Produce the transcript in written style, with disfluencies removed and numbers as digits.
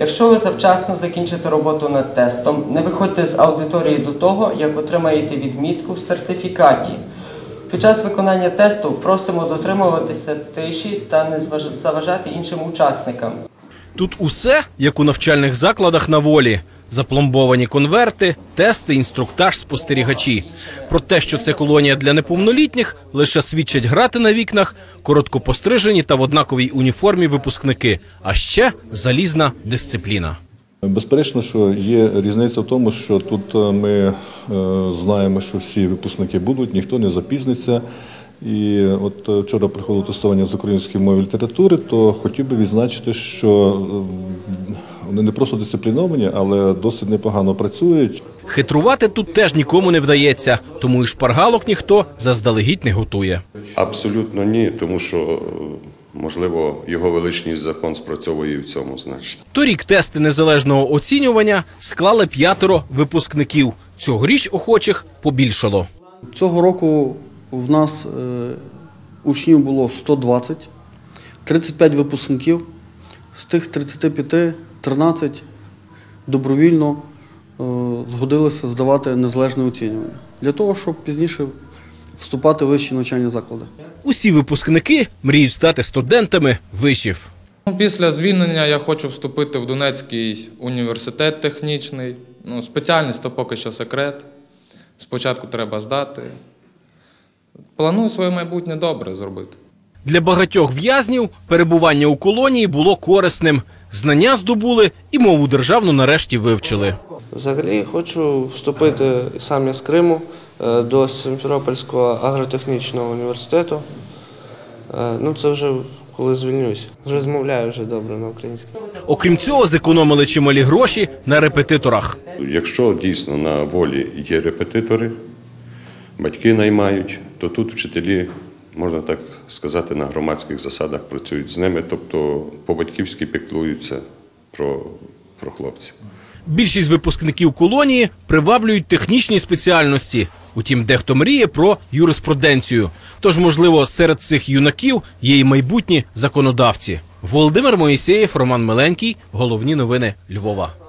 Якщо ви завчасно закінчите роботу над тестом, не виходьте з аудиторії до того, як отримаєте відмітку в сертифікаті. Під час виконання тесту просимо дотримуватися тиші та не заважати іншим учасникам. Тут усе, як у навчальних закладах на волі. Запломбовані конверти, тести, інструктаж, спостерігачі. Про те, що це колонія для неповнолітніх, лише свідчать грати на вікнах, коротко пострижені та в однаковій уніформі випускники. А ще залізна дисципліна. Безперечно, що є різниця в тому, що тут ми знаємо, що всі випускники будуть, ніхто не запізниться. І от вчора приходило тестування з української мови і літератури, то хотів би відзначити, що вони не просто дисципліновані, але досить непогано працюють. Хитрувати тут теж нікому не вдається, тому і шпаргалок ніхто заздалегідь не готує. Абсолютно ні, тому що, можливо, його величність закон спрацьовує і в цьому значенні. Торік тести незалежного оцінювання склали 5 випускників. Цьогоріч охочих побільшало. Цього року в нас учнів було 120, 35 випускників. З тих 35 13 добровільно згодилися здавати незалежне оцінювання. Для того, щоб пізніше вступати в вищі навчальні заклади. Усі випускники мріють стати студентами вишів. Після звільнення я хочу вступити в Донецький університет технічний. Спеціальність – то поки що секрет. Спочатку треба здати. Планую своє майбутнє добре зробити. Для багатьох в'язнів перебування у колонії було корисним. Знання здобули і мову державну нарешті вивчили. Взагалі хочу вступити сам я з Криму до Сімферопольського агротехнічного університету. Це вже коли звільнюсь. Розмовляю вже добре на українській. Окрім цього, зекономили чималі гроші на репетиторах. Якщо дійсно на волі є репетитори, батьки наймають, то тут вчителі, можна так сказати, на громадських засадах працюють з ними, тобто по-батьківськи піклуються про хлопців. Більшість випускників колонії приваблюють технічні спеціальності. Утім, дехто мріє про юриспруденцію. Тож, можливо, серед цих юнаків є і майбутні законодавці. Володимир Моїсеєв, Роман Миленький. Головні новини Львова.